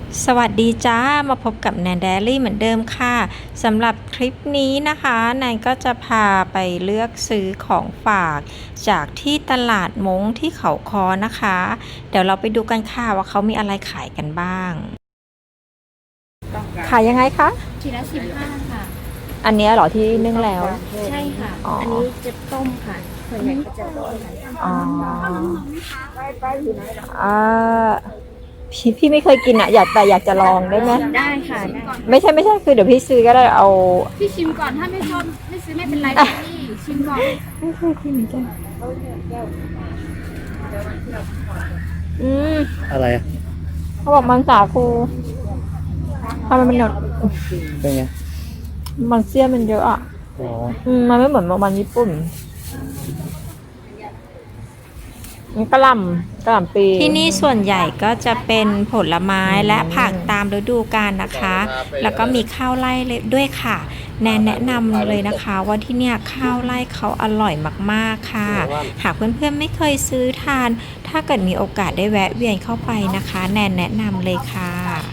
สวัสดีจ้ามาพบกับแนนแดลี่เหมือนเดิมค่ะสำหรับคลิปนี้นะคะแนนก็จะพาไปเลือกซื้อของฝากจากที่ตลาดมงที่เขาคอนะคะเดี๋ยวเราไปดูกันค่ะว่าเขามีอะไรขายกันบ้างขายยังไงคะทีละ15ค่ะอันนี้เหรอที่นึ่งแล้วใช่ค่ะอันนี้จะต้มค่ะส่วนใหญ่ก็จะต้มอ๋ออ่าพี่ไม่เคยกินอ่ะอยากจะลองได้ไหมได้ค่ะไม่ใช่คือเดี๋ยวพี่ซื้อก็ได้เอาพี่ชิมก่อนถ้าไม่ชอบไม่ซื้อไม่เป็นไรพี่ชิมก่อนไม่เคยกินเหมือนกันอะไรเขาบอกมันสาคูทำไมมันหนดเป็นไงมันเสี้ยนมันเยอะอ่ะมันไม่เหมือนมันญี่ปุ่นกระหล่ำปีที่นี่ส่วนใหญ่ก็จะเป็นผลไม้และผักตามฤดูกาลนะคะ แล้วก็มีข้าวไร่ด้วยค่ะแนะนำเลยนะคะว่าที่เนี่ยข้าวไร่เขาอร่อยมากๆค่ะหากเพื่อนๆไม่เคยซื้อทานถ้าเกิดมีโอกาสได้แวะเวียนเข้าไปนะคะแนะนำเลยค่ะ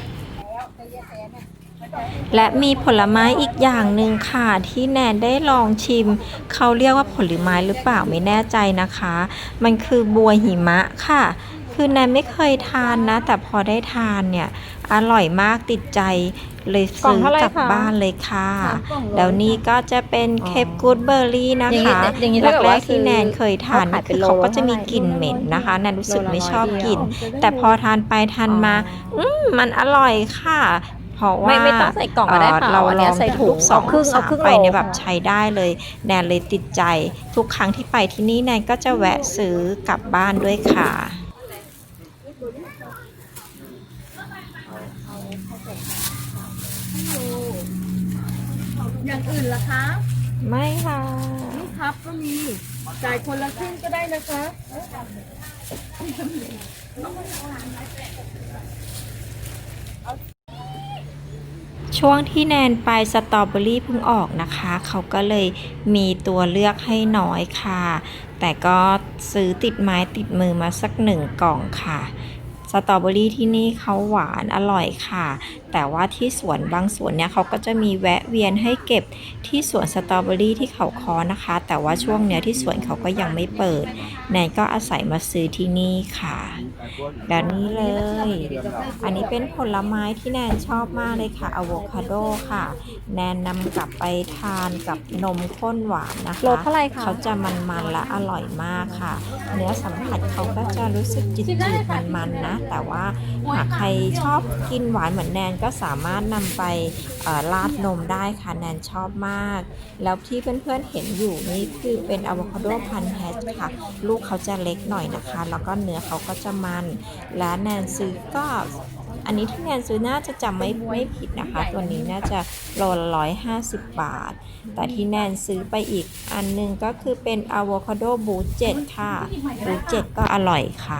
และมีผลไม้อีกอย่างหนึ่งค่ะที่แนนได้ลองชิมเขาเรียกว่าผลไม้หรือเปล่าไม่แน่ใจนะคะมันคือบัวหิมะค่ะคือแนนไม่เคยทานนะแต่พอได้ทานเนี่ยอร่อยมากติดใจเลยซื้อกลับบ้านเลยค่ะแล้วนี่ก็จะเป็นเคปกูดเบอร์รี่นะคะแรกๆที่แนนเคยทานคือเขาก็จะมีกลิ่นเหม็นนะคะแนนรู้สึกไม่ชอบกลิ่นแต่พอทานไปทานมามันอร่อยค่ะเพราะว่าไม่ต้องใส่กล่องก็ได้ค่ะเราลองใส่ถุงสองสามไปเนี่ยแบบใช้ได้เลยแนนเลยติดใจทุกครั้งที่ไปที่นี่แนนก็จะแวะซื้อกลับบ้านด้วยค่ะอย่างอื่นล่ะคะไม่ค่ะนี่ครับก็มีจ่ายคนละครึ่งก็ได้นะคะช่วงที่แนนไปสตรอเบอรี่เพิ่งออกนะคะเขาก็เลยมีตัวเลือกให้น้อยค่ะแต่ก็ซื้อติดไม้ติดมือมาสัก1 กล่องค่ะสตรอเบอรี่ที่นี่เขาหวานอร่อยค่ะแต่ว่าที่สวนบางสวนเนี่ยเขาก็จะมีแวะเวียนให้เก็บที่สวนสตรอเบอรี่ที่เขาคอนะคะแต่ว่าช่วงเนี้ยที่สวนเขาก็ยังไม่เปิดแนนก็อาศัยมาซื้อที่นี่ค่ะแบบนี้เลยอันนี้เป็นผลไม้ที่แนนชอบมากเลยค่ะอะโวคาโดค่ะแนนนำกลับไปทานกับนมข้นหวานนะคะโลเท่าไหร่คะเขาจะมันๆและอร่อยมากค่ะเนื้อสัมผัสเขาก็จะรู้สึกจืดๆมันๆนะแต่ว่าหากใครชอบกินหวานเหมือนแนนก็สามารถนำไปราดนมได้ค่ะแนนชอบมากแล้วที่เพื่อนๆเห็นอยู่นี่คือเป็นอะโวคาโดพันธุ์แฮชค่ะลูกเขาจะเล็กหน่อยนะคะแล้วก็เนื้อเขาก็จะมันและแนนซื้อก็อันนี้ที่แนนซื้อน่าจะจำไม่ผิดนะคะตัวนี้น่าจะโลละ150 บาทแต่ที่แนนซื้อไปอีกอันนึงก็คือเป็นอะโวคาโดบูเจ็ตค่ะบูเจ็ตก็อร่อยค่ะ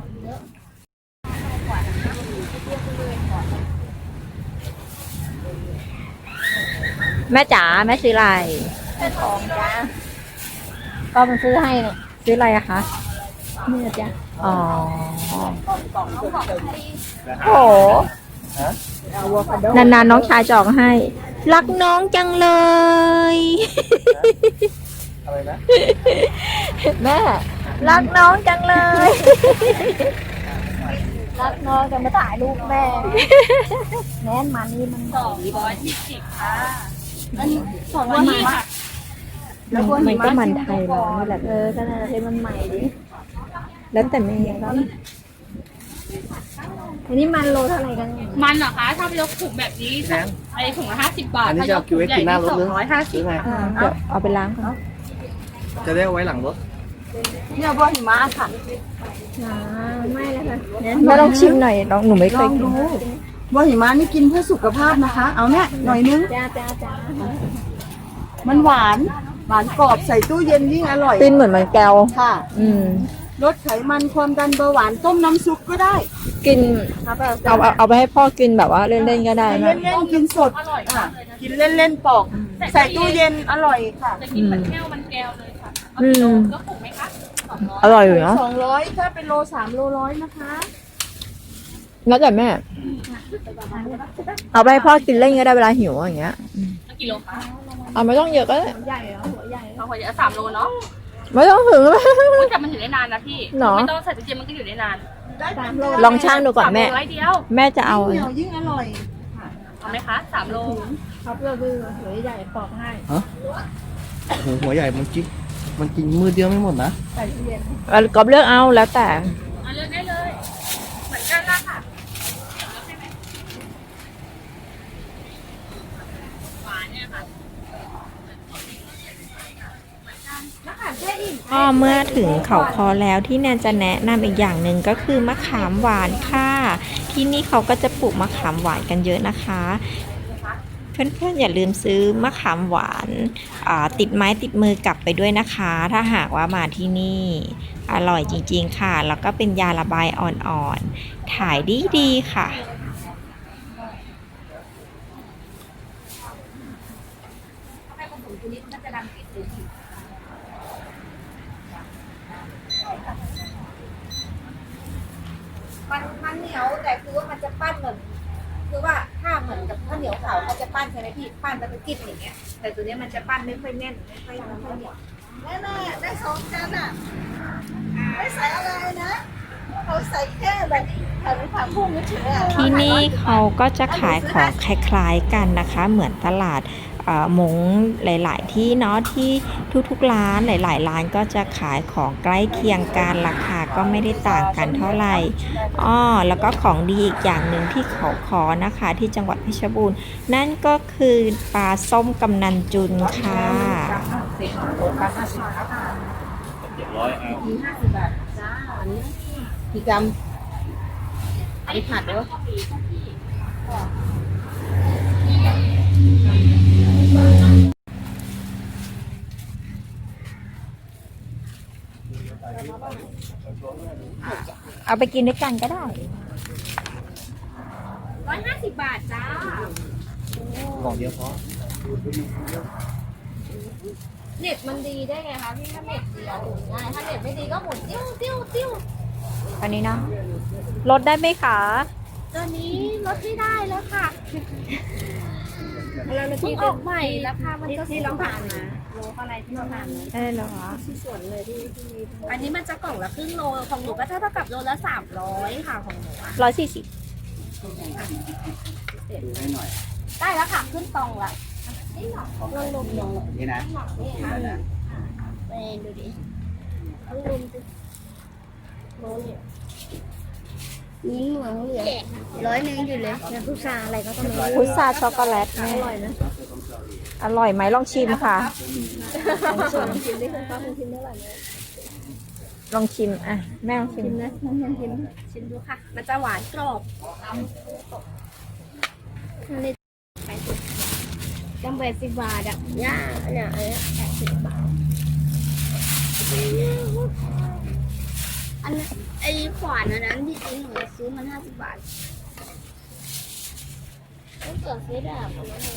แม่จ๋าแม่ซื้ออะไรของจ้าก็มันซื้อให้เนี่ยซื้ออะไรอะคะเนี่ยจ้ะอ๋อโหนานๆน้องชายจองให้ รักน้องจังเลยอะไรนะแม่รักน้องจังเลยรักน้องจะมาถ่ายรูปแม่แน่นมันนี่มัน220ค่ะอันนี้220ค่ะมันก็มันไทยเรานี่แหละขนาดที่มันใหม่ดิแล้วแต่แม่ก็อันนี้มันโลเท่าไหร่กันมันเหรอคะถ้าเป็นยกถุงแบบนี้ไอถุงละ50 บาทอันนี้จะเอาคิวไว้กินหน้ารถหรือ 250 ไงเดี๋ยวเอาไปล้างก่อนจะได้เอาไว้หลังรถเนี่ยบัวหิมะค่ะไม่เลยค่ะแม่ลองชิมหน่อยหนูไม่เคยกินบัวหิมะนี่กินเพื่อสุขภาพนะคะ เอาเนี่ยหน่อยนึงจ้ามันหวานกรอบใส่ตู้เย็นยิ่งอร่อยเป็นเหมือนมันแก้วค่ะลดไขมันความดันเบาหวานต้มน้ำซุปก็ได้กินเอาไปให้พ่อกินแบบว่าเล่นๆก็ได้นะเล่นๆกินสดกินเล่นๆปอกใส่ตู้เย็นอร่อยค่ะจะกินมันแก้วเลยค่ะก็ถูกไหมคะอร่อยอยู่เนาะ 200ถ้าเป็นโล3 โล100นะคะแล้วแต่แม่เอาไปให้พ่อกินเล่นก็ได้เวลาหิวอย่างเงี้ยกิโลคะเอาไม่ต้องเยอะก็ได้ใหญ่เหรอหัวใหญ่เราควรจะ3 โลเนาะไม่ต้องถึงอุ๊ยแต่มันอยู่ได้นานนะพี่หรอไม่ต้องใส่ตู้เย็นมันก็อยู่ได้นาน 3 โลลองช่างดูก่อนแม่ 3 โลร้อยเดียวแม่จะเอาเหนียวยิ่งอร่อยเอาไหมคะ3 โลเขาเพื่อดื้อหัวใหญ่ปอกให้ฮะโอ้โหหัวใหญ่มันกินมือเดียวไม่หมดนะใส่ตู้เย็นก็เลือกเอาแล้วแต่เอาเลือกได้เลย เหมือนกันละค่ะหวานเนี่ยค่ะก็เมื่อถึงเขาคอแล้วที่แนนจะแนะนำอีกอย่างหนึ่งก็คือมะขามหวานค่ะที่นี่เขาก็จะปลูกมะขามหวานกันเยอะนะคะ เพื่อนๆอย่าลืมซื้อมะขามหวานติดไม้ติดมือกลับไปด้วยนะคะ ถ้าหากว่ามาที่นี่อร่อยจริงๆค่ะ แล้วก็เป็นยาระบายอ่อนๆขายดีๆค่ะมันเหนียวแต่คือว่ามันจะปั้นเหมือนคือว่าถ้าเหมือนกับข้าวเหนียวขาวเขาจะปั้นใช่ไหมพี่ปั้นแล้วก็จิ้มอย่างเงี้ยแต่ตัวเนี้ยมันจะปั้นไม่ค่อยแน่นไม่ค่อยเหนียวแน่ๆได้สองกันอ่ะไม่ใส่อะไรนะเขาใส่แค่แบบผักบุ้งเฉยๆที่นี่เขาก็จะขายของคล้ายๆกันนะคะ เหมือนตลาดมงหลายๆที่เนาะที่ทุกๆร้านหลายๆร้านก็จะขายของใกล้เคียงกันราคาก็ไม่ได้ต่างกันเท่าไหร่แล้วก็ของดีอีกอย่างหนึ่งที่เขาคอนะคะที่จังหวัดเพชรบูรณ์นั่นก็คือปลาส้มกำนันจุนค่ะกี่กรัมอันนี้ผัดด้วยเอาไปกินด้วยกันก็ได้ 150 บาทจ้ากล่องเดียวพอเน็ตมันดีได้ไงคะพี่ถ้าเน็ตดีอะหมุนง่ายถ้าเน็ตไม่ดีก็หมุนติ้วติ้วติ้วอันนี้เนาะลดได้ไหมคะตัวนี้ลดไม่ได้แล้วค่ะแล้วที่ออกใหม่ราคามันก็ที่เราผ่านนะโลอะไรที่เราผ่านนะได้เหรอคะที่ส่วนเลยที่อันนี้มันจะกล่องละครึ่งโลของหนูก็เท่ากับโลละ300ค่ะของหนูอะ 140 ดูให้หน่อยได้แล้วค่ะขึ้นตรงละนี่หรอลงลงลงนี่นะนี่ค่ะไปดูดิลงลงสิโลเนี่ยนี่เหมืองเหลือ100อยู่เลยน้ำพุชาอะไรก็ต้องมีพุทราช็อกโกแลตแม่อร่อยนะอร่อยไหมลองชิมค่ะส่วนชิมได้คุณป้าคุณชิมได้หลายเลยลองชิมอ่ะแม่ลองชิมชิมนะน้องชิมชิมดูค่ะ มันจะหวานกรอบจำเป็น10 บาทอ่ะย่าเนี่ย80 บาทอันนั้นไอ้ขวานอันนั้นที่จริงหนูซื้อมัน50 บาทต้องเกิดซื้อแบบ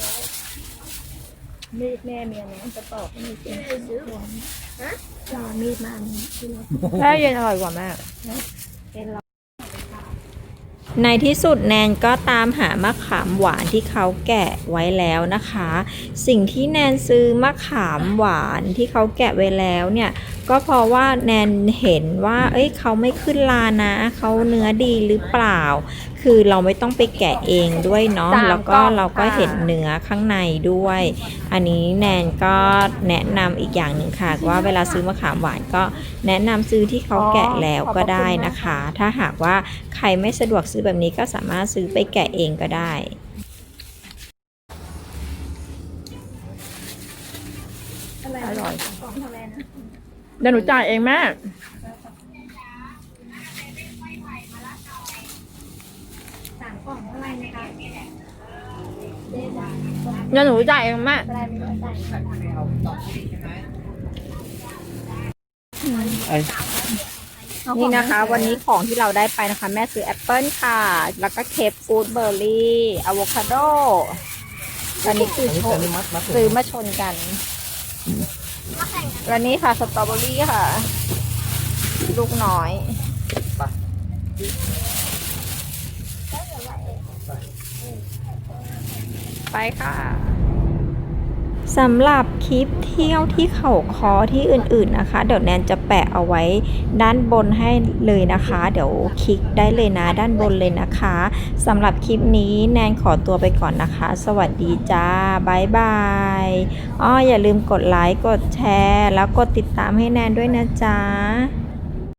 มีดแม่เมียนะจะตอกให้มีเสียงซื้อฮะเอามีดมาอันนี้ที่เราแม่เย็นอร่อยกว่าแม่เป็นเราในที่สุดแนนก็ตามหามะขามหวานที่เขาแกะไว้แล้วนะคะ สิ่งที่แนนซื้อมะขามหวานที่เขาแกะไว้แล้วเนี่ยก็เพราะว่าแนนเห็นว่าเขาไม่ขึ้นลานะเขาเนื้อดีหรือเปล่า คือเราไม่ต้องไปแกะเองด้วยเนาะแล้วก็เราก็เห็นเนื้อข้างในด้วย อันนี้แนนก็แนะนำอีกอย่างหนึ่งค่ะว่าเวลาซื้อมะขามหวานก็แนะนำซื้อที่เขาแกะแล้วก็ได้นะคะ ถ้าหากว่าใครไม่สะดวกซื้อแบบนี้ก็สามารถซื้อไปแกะเองก็ได้ อร่อยเดี๋ยวหนูจ่ายเองแม่ 3 กล่องเท่าไหร่นะคะเดี๋ยวหนูจ่ายเองแม่อะไรไม่รู้จ่ายไอ้นี่นะคะ วันนี้ของที่เราได้ไปนะคะ แม่ซื้อแอปเปิลค่ะ แล้วก็เคปฟูดเบอร์รี่อะโวคาโดอันนี้คือชนซื้อมาชนกันแล้วนี่ค่ะสตรอเบอรี่ค่ะ ลูกน้อยไปค่ะสำหรับคลิปเที่ยวที่เขาคอที่อื่นๆนะคะ เดี๋ยวแนนจะแปะเอาไว้ด้านบนให้เลยนะคะ เดี๋ยวคลิกได้เลยนะด้านบนเลยนะคะสำหรับคลิปนี้แนนขอตัวไปก่อนนะคะ สวัสดีจ้าบ๊ายบายอย่าลืมกดไลค์กดแชร์แล้วกดติดตามให้แนนด้วยนะจ๊ะ